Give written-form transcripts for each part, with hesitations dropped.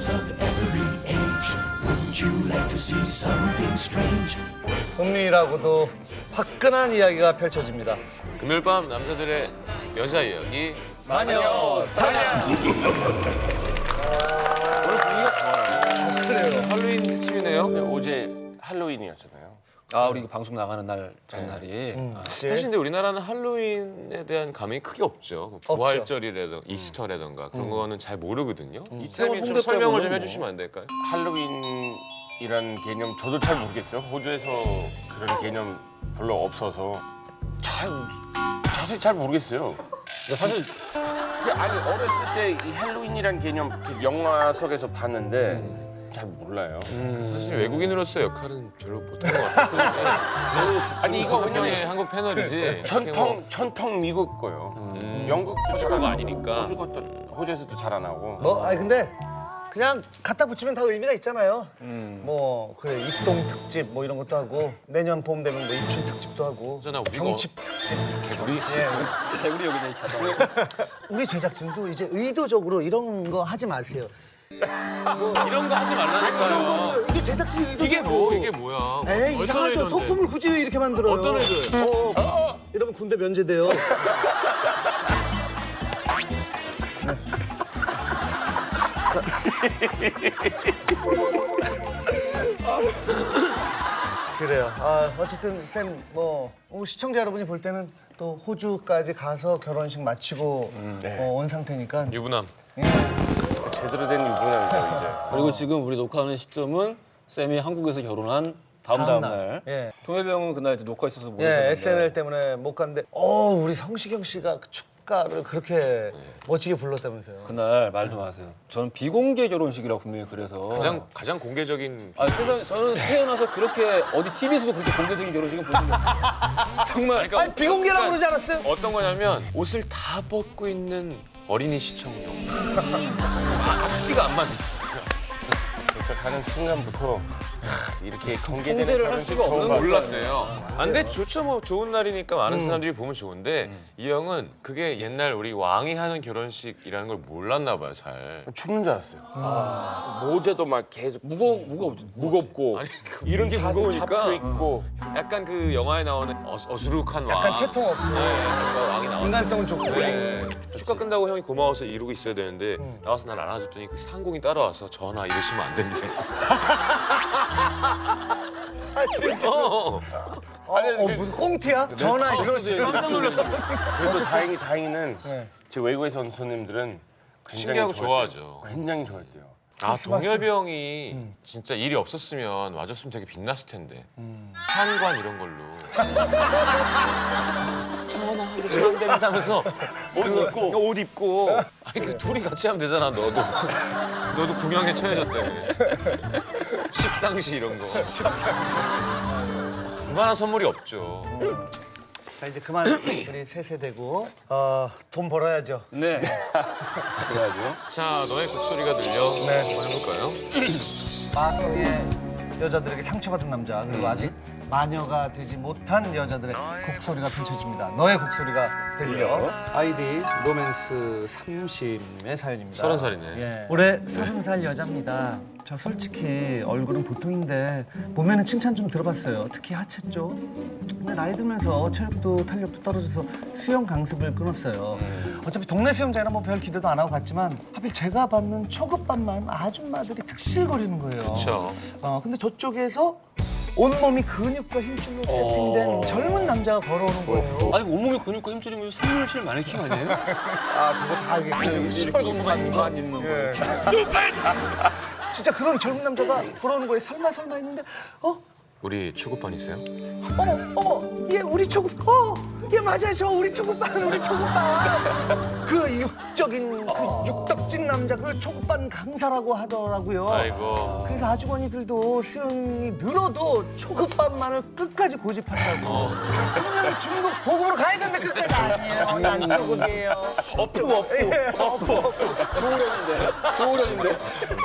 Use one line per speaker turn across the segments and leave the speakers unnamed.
heroes of every age. Wouldn't you like to see something strange?
은밀하고도 화끈한 이야기가 펼쳐집니다.
금요일 밤 남자들의 여자 이야기
마녀 사냥.
오늘 분위기가 좋아요.
그래요.
할로윈 특집이네요.
어제 할로윈이었잖아요.
아, 우리 이거 방송 나가는 날 전날이.
사실 근데 우리나라는 할로윈에 대한 감흥이 크게 없죠. 부활절이라든가 이스터라든가 그런 거는 잘 모르거든요.
이태원
쌤이 좀
홍대
설명을 좀
빼고는
해주시면 안 될까요?
할로윈이란 개념 저도 잘 모르겠어요. 호주에서 그런 개념 별로 없어서 자세히 잘 모르겠어요. 사실 아니 어렸을 때 이 할로윈이란 개념 그 영화 속에서 봤는데 잘 몰라요.
사실 외국인으로서 역할은 별로 못한 것 같아요.
아니 이거
왜냐면
왜냐면
한국 패널이지.
전통 미국 거요. 영국도 잘
그거
안
아니니까.
호주 것도 호주에서도 잘 안 하고.
뭐 아니 근데 그냥 갖다 붙이면 다 의미가 있잖아요. 뭐 그래 입동 특집 뭐 이런 것도 하고 내년 봄 되면 뭐 입춘 특집도 하고
그잖아, 우리가
경칩 특집.
우리
개구리 여기다 있다가.
우리 제작진도 이제 의도적으로 이런 거 하지 마세요.
이런 거 하지 말라니까요.
이게 제작진이 의도적으로.
이게 뭐야?
에이 이상하죠. 소품을 굳이 왜 이렇게 만들어요?
어떤 애들?
이러면 군대 면제돼요. 그래요. 어쨌든 쌤 뭐 시청자 여러분이 볼 때는 또 호주까지 가서 결혼식 마치고 온 상태니까
유부남.
제대로 된 유부남이죠 이제.
그리고 지금 우리 녹화하는 시점은 쌤이 한국에서 결혼한 다음 날.
예.
동해병은 그날 이제 녹화 있어서 못
예,
있었는데.
SNL 때문에 못 갔는데 우리 성시경 씨가 그 축가를 그렇게 멋지게 불렀다면서요.
그날 말도 마세요. 저는 비공개 결혼식이라고 분명히 그래서.
가장 공개적인.
아, 세상에 저는 태어나서 그렇게 어디 TV에서도 그렇게 공개적인 결혼식은 본 적 없어요. 정말.
그러니까
아니 비공개라고 그러지 않았어요?
어떤 거냐면 옷을 다 벗고 있는 어린이 시청용. 앞뒤가 안 맞는.
도착하는 순간부터 이렇게 공개되는
통제를 할
결혼식
수가
처음
없는
봤어요.
몰랐네요. 근데 좋죠, 뭐 좋은 날이니까 많은 사람들이 보면 좋은데 이 형은 그게 옛날 우리 왕이 하는 결혼식이라는 걸 몰랐나 봐요, 잘.
죽는 줄 알았어요. 모자도 막 계속 무겁고
아니,
이런
이게
자세
무거우니까.
잡고 있고
약간 그 영화에 나오는 어수룩한 왕.
약간 채통 없고
네, 왕이 나왔어.
인간성은 좋고.
네. 축가 끝나고 형이 고마워서 이러고 있어야 되는데 나와서 날 안아줬더니 그 상공이 따라와서 전하 이러시면 안 됩니다.
아 진짜. 무슨 꽁트야? 전화 이러지.
깜짝 놀랐어.
그래도 다행히는 제 외국에서 온 손님들은
신기하고
좋아했대요.
좋아하죠.
굉장히 좋아했대요.
동엽이 형이 진짜 일이 없었으면 와줬으면 되게 빛났을 텐데. 한관 이런 걸로. 전화 하고 시간 된다면서 옷 입고. 아니 그 둘이 같이 하면 되잖아, 너도 궁양에 처해졌대. 십상시 이런 거. 그만한 선물이 없죠.
자 이제 그만 우리 세세되고 돈 벌어야죠.
네. 그래야죠.
자, 너의 곡소리가 들려.
네.
한번 해볼까요?
마성의 여자들에게 상처받은 남자 그리고 아직 마녀가 되지 못한 여자들의 곡소리가 펼쳐집니다. 너의 곡소리가 들려. 아이디 로맨스 30의 사연입니다.
30살이네.
예. 올해 30살 여자입니다. 저 솔직히 얼굴은 보통인데 몸에는 칭찬 좀 들어봤어요. 특히 하체 쪽. 근데 나이 들면서 체력도 탄력도 떨어져서 수영 강습을 끊었어요. 어차피 동네 수영장이라 뭐 별 기대도 안 하고 갔지만 하필 제가 받는 초급반만 아줌마들이 득실거리는 거예요.
그렇죠.
근데 저쪽에서 온몸이 근육과 힘줄로 세팅된 젊은 남자가 걸어오는 거예요.
아니, 온몸에 근육과 힘줄이면 생물실 마네킹 아니에요?
그거 다
이렇게만 입는 거예요.
진짜 그런 젊은 남자가 걸어오는 거예요. 설마 했는데
우리 초급반이세요?
어머, 얘 우리 초급, 얘 맞아요, 저 우리 초급반. 그 육적인, 그 육덕진 남자, 그 초급반 강사라고 하더라고요.
아이고.
그래서 아주머니들도 수영이 늘어도 초급반만을 끝까지 고집한다고. 분명히 중급 고급으로 가야 되는데 끝까지 아니에요. 난 초급이에요.
어프. 소울연인데.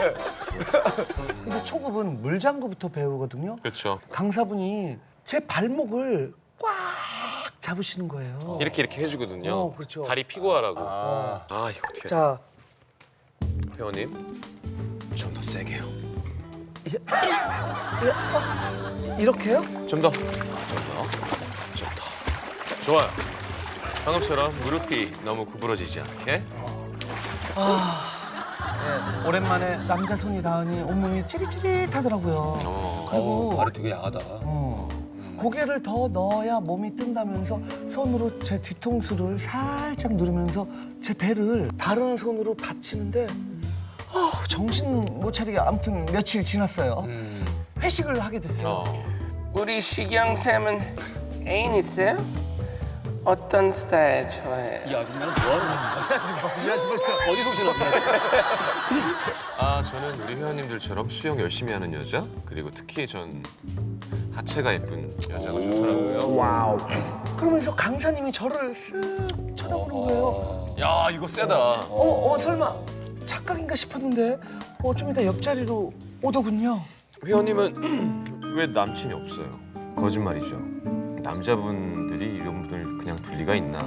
근데 초급은 물장구부터 배우거든요.
그렇죠.
강사분이 제 발목을 꽉 잡으시는 거예요.
이렇게 해주거든요.
그렇죠.
다리 피고 하라고. 이거 어떻게?
자,
회원님, 전 세게요.
이렇게요?
좀 더. 좋아요. 방금처럼 무릎이 너무 구부러지지 않게.
네, 오랜만에 남자 손이 닿으니 온몸이 찌릿찌릿하더라고요. 그리고
발이 되게 야하다.
고개를 더 넣어야 몸이 뜬다면서 손으로 제 뒤통수를 살짝 누르면서 제 배를 다른 손으로 받치는데 정신 못 차리게 아무튼 며칠 지났어요. 회식을 하게 됐어요.
우리 시경 쌤은 애인 있어요? 어떤 스타일 좋아해요?
이 아줌마는 뭐 하는 거야? 어디서 오시나 보다.
아, 저는 우리 회원님들처럼 수영 열심히 하는 여자, 그리고 특히 전 하체가 예쁜 여자가 좋더라고요.
그러면서 강사님이 저를 쓱 쳐다보는 거예요.
야, 이거 세다.
설마 착각인가 싶었는데 좀 이따 옆자리로 오더군요.
회원님은 왜 남친이 없어요? 거짓말이죠. 남자분들이 이런 분들 그냥 둘 리가 있나?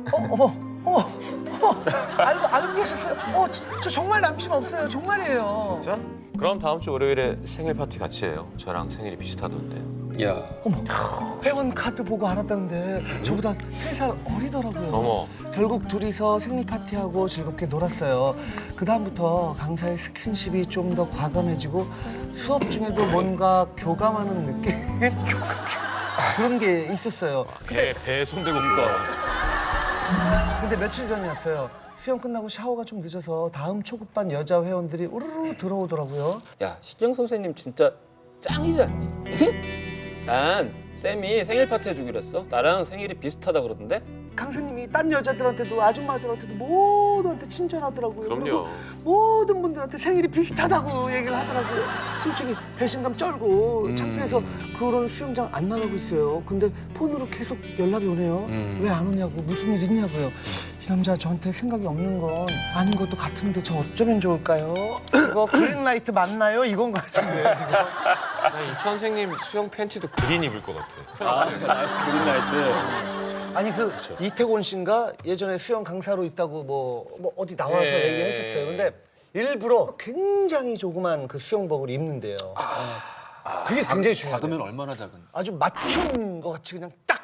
알고 계셨어요? 저 정말 남친 없어요. 정말이에요.
진짜? 그럼 다음 주 월요일에 생일 파티 같이 해요. 저랑 생일이 비슷하던데.
야,
회원 카드 보고 알았다는데 저보다 3살 어리더라고요.
어머.
결국 둘이서 생일 파티하고 즐겁게 놀았어요. 그 다음부터 강사의 스킨십이 좀 더 과감해지고 수업 중에도 뭔가 교감하는 느낌? 그런 게 있었어요.
배 손대고 그거.
근데 며칠 전이었어요. 수영 끝나고 샤워가 좀 늦어서 다음 초급반 여자 회원들이 우르르 들어오더라고요.
야, 시경 선생님 진짜 짱이지 않니? 난 쌤이 생일 파티 해주기로 했어. 나랑 생일이 비슷하다 그러던데?
강사님이 딴 여자들한테도 아줌마들한테도 모두한테 친절하더라고요.
그럼요.
그리고 모든 분들한테 생일이 비슷하다고 얘기를 하더라고요. 솔직히 배신감 쩔고 창피해서 그런 수영장 안 나가고 있어요. 근데 폰으로 계속 연락이 오네요. 왜 안 오냐고, 무슨 일 있냐고요. 이 남자 저한테 생각이 없는 건 아닌 것도 같은데 저 어쩌면 좋을까요? 이거 그린라이트 맞나요? 이건 것 같은데.
나 이 선생님 수영 팬티도 그린 입을 것 같아.
그린라이트.
아니 이태곤 씨인가 예전에 수영 강사로 있다고 뭐 어디 나와서
예.
얘기했었어요. 근데 일부러 굉장히 조그만 그 수영복을 입는데요. 그게 굉장히 중요해요.
작으면 얼마나 작은?
아주 맞춤인 것 같이 그냥 딱.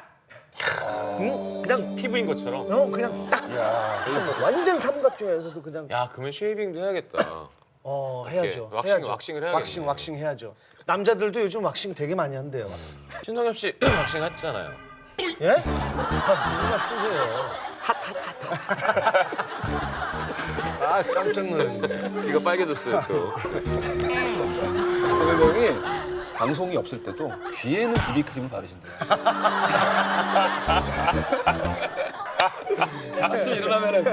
그냥
피부인 것처럼.
그냥 딱. 수영복. 완전 삼각형에서도 그냥
야, 그러면 쉐이빙도 해야겠다.
해야죠.
왁싱을 해야겠네.
왁싱 해야죠. 남자들도 요즘 왁싱 되게 많이 한대요.
신동엽 씨 왁싱 했잖아요.
예? 무슨 말씀이에요? 아 깜짝 놀랐네.
이거 빨개졌어요 또.
동해병이 방송이 없을 때도 귀에는 비비크림을 바르신대요. 아침에 일어나면은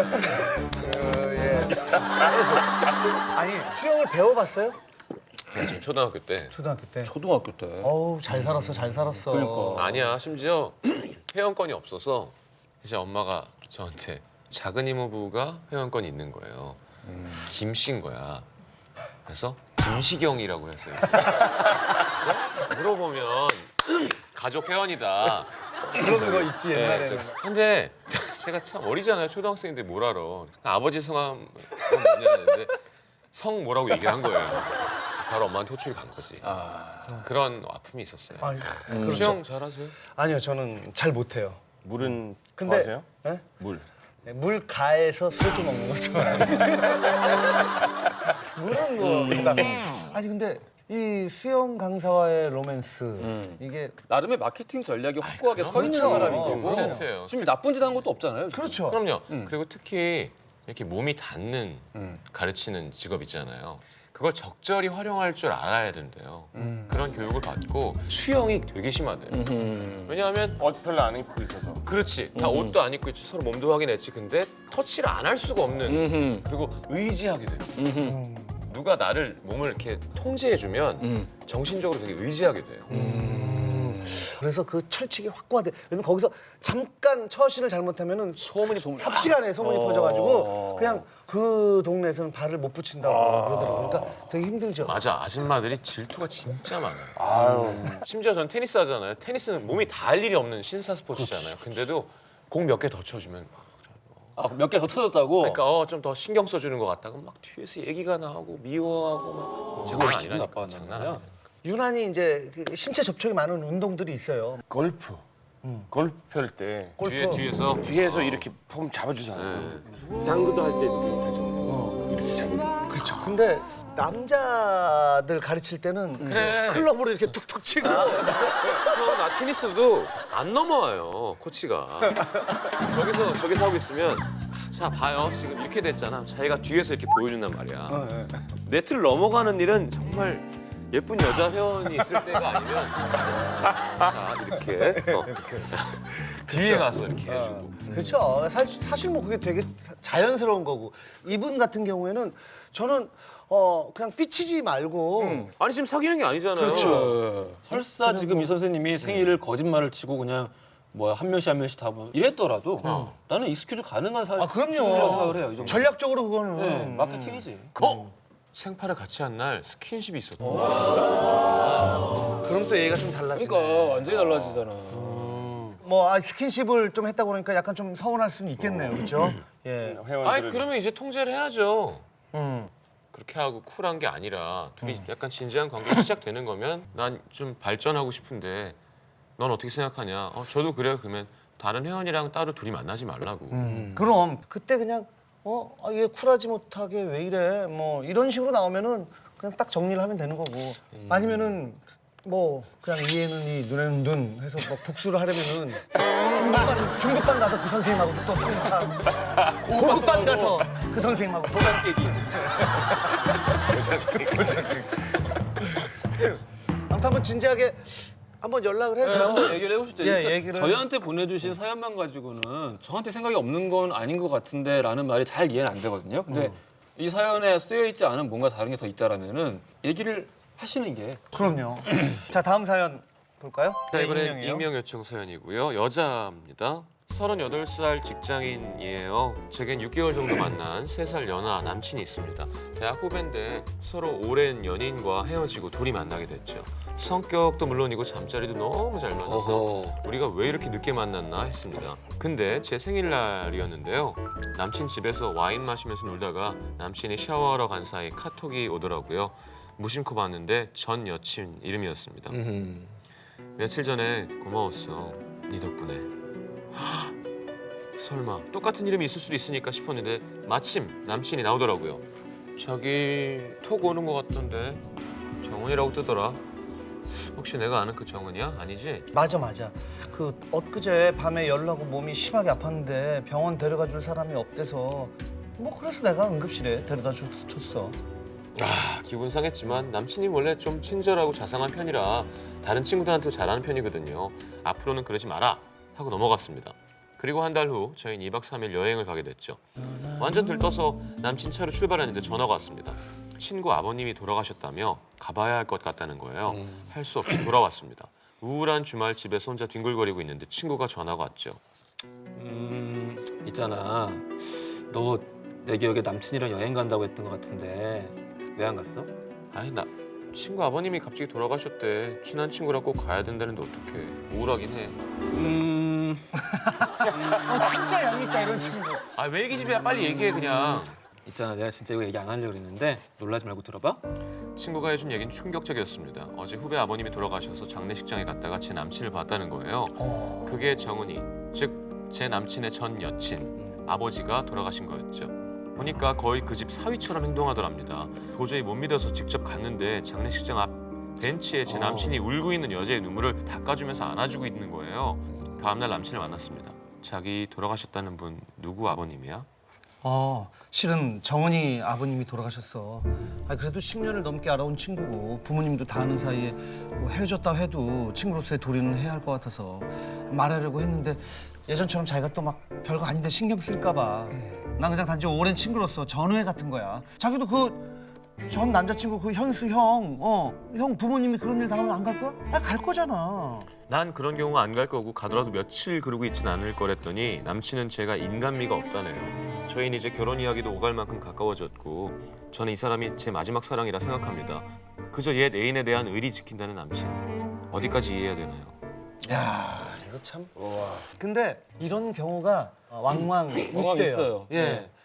아니 수영을 배워봤어요?
전 초등학교 때.
초등학교 때.
초등학교 때.
어우 잘 살았어 잘 살았어.
그러니까.
아니야, 심지어 회원권이 없어서 이제 엄마가 저한테 작은 이모부가 회원권이 있는 거예요. 김씨인 거야. 그래서 김시경이라고 했어요. 그래서 물어보면 가족 회원이다.
그런 거 있지 옛날에는.
근데 제가 참 어리잖아요. 초등학생인데 뭘 알아. 아버지 성함 뭐냐는데 성 뭐라고 얘기를 한 거예요. 바로 엄마한테 호출이 간 거지. 그런 아픔이 있었어요.
그렇죠.
수영 잘하세요?
아니요 저는 잘 못해요.
물은
근데
좋아하세요?
예?
물.
네, 물 가에서 소주 먹는 거 좋아해요. 물은 뭐 그러니까 아니 근데 이 수영 강사와의 로맨스 이게
나름의 마케팅 전략이 확고하게 서 있는
그렇죠.
사람인 거고.
100%예요.
지금 나쁜 짓 한 것도 없잖아요. 지금.
그렇죠.
그럼요. 그리고 특히 이렇게 몸이 닿는 가르치는 직업 있잖아요. 그걸 적절히 활용할 줄 알아야 된대요. 그런 교육을 받고 수영이 되게 심하대요. 왜냐하면
옷 별로 안 입고 있어서.
그렇지. 다 옷도 안 입고 있지. 서로 몸도 확인했지. 근데 터치를 안 할 수가 없는. 그리고 의지하게 돼요. 누가 나를 몸을 이렇게 통제해주면 정신적으로 되게 의지하게 돼요.
그래서 그 철칙이 확고하대. 왜냐면 거기서 잠깐 처신을 잘못하면은 삽시간에 소문이 퍼져가지고 그냥 그 동네에서는 발을 못 붙인다고 그러더라고요. 그러니까 되게 힘들죠.
맞아. 아줌마들이 질투가 진짜 많아요. 심지어 전 테니스 하잖아요. 테니스는 몸이 닿을 일이 없는 신사 스포츠잖아요. 근데도 공 몇 개 더 쳐주면
몇 개 더 터졌다고?
그러니까 좀 더 신경 써주는 것 같다가 막 뒤에서 얘기가 나오고 미워하고 막 장난 아니라니까.
나빠한단
장난
말이야?
아니야.
유난히 이제 그 신체 접촉이 많은 운동들이 있어요.
골프. 골프 할 때
골프.
뒤에서 이렇게 폼 잡아주잖아요. 당구도 할 때도 비슷하죠. 이렇게 잡아줘.
그렇죠. 근데 남자들 가르칠 때는
그래.
클럽으로 이렇게 툭툭 치고
나 테니스도 안 넘어와요 코치가. 저기서 하고 있으면 자 봐요 지금 이렇게 됐잖아. 자기가 뒤에서 이렇게 보여준단 말이야. 네트를 넘어가는 일은 정말 예쁜 여자 회원이 있을 때가 아니면 자 이렇게 뒤에 가서 이렇게 해주고.
그렇죠. 사실 뭐 그게 되게 자연스러운 거고 이분 같은 경우에는 저는 그냥 삐치지 말고
아니 지금 사귀는 게 아니잖아요.
그렇죠. 설사 지금 이 선생님이 생일을 거짓말을 치고 그냥 뭐 한 명씩 한 명씩 다 뭐 이랬더라도 나는 익스큐즈 가능한
그럼요.
수준이라고 생각을 해요. 이 정도.
전략적으로 그거는
네, 마케팅이지.
생파를 같이 한 날 스킨십이 있었다.
그럼 또 얘기가 좀 달라지네.
그러니까 완전히 달라지잖아.
뭐 스킨십을 좀 했다 그러니까 약간 좀 서운할 수는 있겠네요. 그렇죠? 예.
회원들은
아니 그러면 이제 통제를 해야죠.
음.
그렇게 하고 쿨한 게 아니라 둘이 약간 진지한 관계가 시작되는 거면 난 좀 발전하고 싶은데 넌 어떻게 생각하냐? 저도 그래요. 그러면 다른 회원이랑 따로 둘이 만나지 말라고.
그럼 그때 그냥 얘 쿨하지 못하게 왜 이래? 뭐 이런 식으로 나오면은 그냥 딱 정리를 하면 되는 거고. 아니면은 뭐 그냥 이에는 이 눈에는 눈 해서 뭐 복수를 하려면은 중급반 가서 그 선생님하고 또 상담. 고급반 가서 그 선생님하고
도장 깨기.
아무튼 한번 진지하게 한번 연락을 해서
한번 얘기를 해보시죠.
예,
일단
얘기를.
저희한테 보내주신 사연만 가지고는 저한테 생각이 없는 건 아닌 것 같은데 라는 말이 잘 이해는 안 되거든요. 근데 이 사연에 쓰여있지 않은 뭔가 다른 게 더 있다라면은 얘기를 하시는 게
그럼요. 자 다음 사연 볼까요?
자, 이번엔
익명이에요.
익명 요청 사연이고요. 여자입니다. 38살 직장인이에요. 제겐 6개월 정도 만난 3살 연하 남친이 있습니다. 대학 후배인데 서로 오랜 연인과 헤어지고 둘이 만나게 됐죠. 성격도 물론이고 잠자리도 너무 잘 맞아서 우리가 왜 이렇게 늦게 만났나 했습니다. 근데 제 생일날이었는데요. 남친 집에서 와인 마시면서 놀다가 남친이 샤워하러 간 사이 카톡이 오더라고요. 무심코 봤는데 전 여친 이름이었습니다. 며칠 전에 고마웠어. 네 덕분에. 설마 똑같은 이름이 있을 수도 있으니까 싶었는데 마침 남친이 나오더라고요. 자기 톡 오는 것 같던데 정은이라고 뜨더라. 혹시 내가 아는 그 정은이야? 아니지?
맞아. 그 엊그제 밤에 열나고 몸이 심하게 아팠는데 병원 데려가 줄 사람이 없대서 뭐 그래서 내가 응급실에 데려다 줬어.
기분 상했지만 남친이 원래 좀 친절하고 자상한 편이라 다른 친구들한테도 잘하는 편이거든요. 앞으로는 그러지 마라 하고 넘어갔습니다. 그리고 한 달 후 저희는 2박 3일 여행을 가게 됐죠. 완전 들떠서 남친 차로 출발했는데 전화가 왔습니다. 친구 아버님이 돌아가셨다며 가봐야 할 것 같다는 거예요. 할 수 없이 돌아왔습니다. 우울한 주말 집에서 혼자 뒹굴거리고 있는데 친구가 전화가 왔죠.
있잖아. 너 내 기억에 남친이랑 여행 간다고 했던 것 같은데 왜 안 갔어?
아니 나 친구 아버님이 갑자기 돌아가셨대. 친한 친구랑 꼭 가야 된다는데 어떡해. 우울하긴 해.
진짜 얄밉다 이런 친구.
왜 얘기 좀 해. 빨리 얘기해 그냥.
있잖아. 내가 진짜 이거 얘기 안 하려고 그랬는데 놀라지 말고 들어봐.
친구가 해준 얘기는 충격적이었습니다. 어제 후배 아버님이 돌아가셔서 장례식장에 갔다가 제 남친을 봤다는 거예요. 그게 정은이, 즉 제 남친의 전 여친, 아버지가 돌아가신 거였죠. 보니까 거의 그 집 사위처럼 행동하더랍니다. 도저히 못 믿어서 직접 갔는데 장례식장 앞 벤치에 제 남친이 울고 있는 여자의 눈물을 닦아주면서 안아주고 있는 거예요. 다음날 남친을 만났습니다. 자기 돌아가셨다는 분 누구 아버님이야?
실은 정은이 아버님이 돌아가셨어. 그래도 10년을 넘게 알아온 친구고 부모님도 다 아는 사이에 뭐 헤어졌다 해도 친구로서의 도리는 해야 할 것 같아서 말하려고 했는데 예전처럼 자기가 또 막 별거 아닌데 신경 쓸까 봐. 난 그냥 단지 오랜 친구로서 전우회 같은 거야. 자기도 그 전 남자친구 그 현수 형, 형 부모님이 그런 일 당하면 안 갈 거야? 갈 거잖아.
난 그런 경우 안 갈 거고 가더라도 며칠 그러고 있진 않을 거랬더니 남친은 제가 인간미가 없다네요. 저희는 이제 결혼 이야기도 오갈 만큼 가까워졌고 저는 이 사람이 제 마지막 사랑이라 생각합니다. 그저 옛 애인에 대한 의리 지킨다는 남친. 어디까지 이해해야 되나요?
야, 이거 참. 근데 이런 경우가 왕왕 있대요.
있어요.
예.